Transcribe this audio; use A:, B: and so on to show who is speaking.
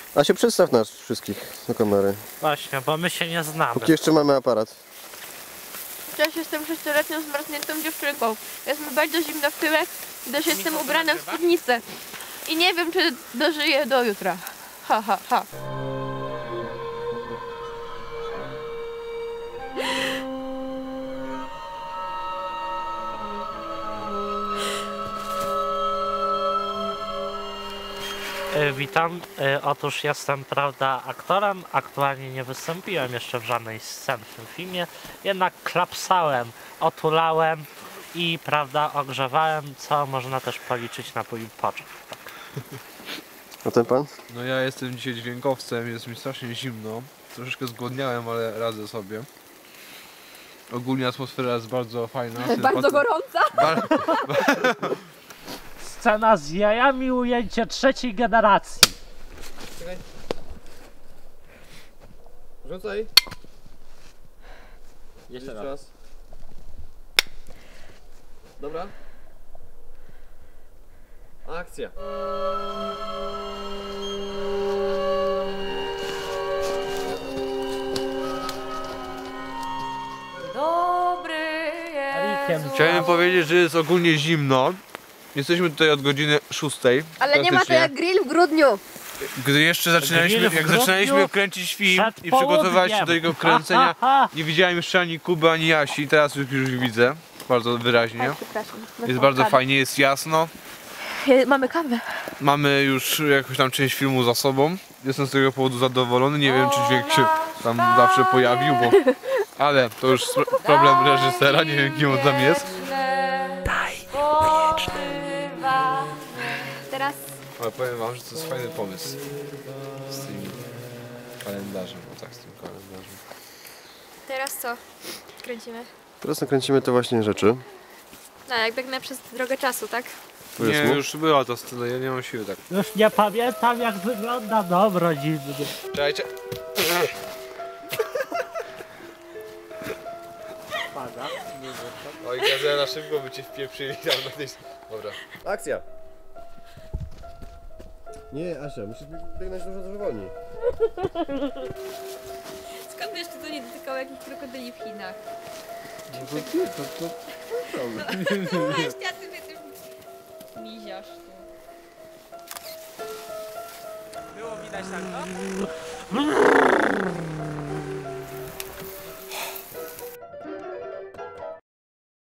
A: A się przedstaw nas wszystkich do kamery.
B: Właśnie, bo my się nie znamy.
A: Póki jeszcze mamy aparat.
C: Cześć, jestem 6-letnią zmarzniętą dziewczynką. Jest mi bardzo zimno w tyłek, gdyż jestem ubrana w spódnicę. I nie wiem, czy dożyję do jutra. Ha, ha, ha.
B: Witam. Otóż jestem, prawda, aktorem. Aktualnie nie wystąpiłem jeszcze w żadnej scenie w tym filmie. Jednak klapsałem, otulałem i, prawda, ogrzewałem, co można też policzyć na mój początek. Tak.
A: A ten pan?
D: No ja jestem dzisiaj dźwiękowcem, jest mi strasznie zimno. Troszeczkę zgłodniałem, ale radzę sobie. Ogólnie atmosfera jest bardzo fajna.
C: Bardzo gorąca.
B: Scena z jajami, ujęcie trzeciej generacji.
A: Czekaj. Rzucaj.
B: Jeszcze raz.
A: Dobra. Akcja.
C: Dobry jest.
D: Chciałem powiedzieć, że jest ogólnie zimno. Jesteśmy tutaj od godziny 6.
C: Ale nie ma to jak grill w grudniu.
D: Gdy jeszcze zaczynaliśmy kręcić film
B: przed
D: i przygotować się
B: południem.
D: do jego kręcenia, nie widziałem jeszcze ani Kuby, ani Jasi. Teraz już widzę. Bardzo wyraźnie.
C: Przepraszam.
D: Jest bardzo fajnie, jest jasno.
C: Mamy kawę.
D: Mamy już jakąś tam część filmu za sobą. Jestem z tego powodu zadowolony. Nie wiem, czy dźwięk się tam zawsze pojawił, bo... Ale to już problem reżysera, nie wiem, kim on tam jest.
C: Teraz
D: Ale powiem wam, że to jest fajny pomysł. Z tym kalendarzem, no tak, z tym kalendarzem.
C: Teraz co? Kręcimy.
A: Teraz nakręcimy te właśnie rzeczy.
C: No, jak biegnę przez drogę czasu, tak?
D: Nie,
A: Powiedzmy.
D: już była ta scena, ja nie mam siły tak.
B: Już nie pamiętam, jak wygląda dom rodzinny.
D: Czekajcie. Oj, Gazela, na szybko by cię wpieprzyli tam na tej... Dobra.
A: Akcja! Nie, Asia, musisz biegnąć dużo wolniej.
C: Skąd wiesz, czy to nie dotykało jakichś krokodyli w Chinach?
D: To
C: Weź, a ty jesteś miziarz tu.
B: Było widać tak, no?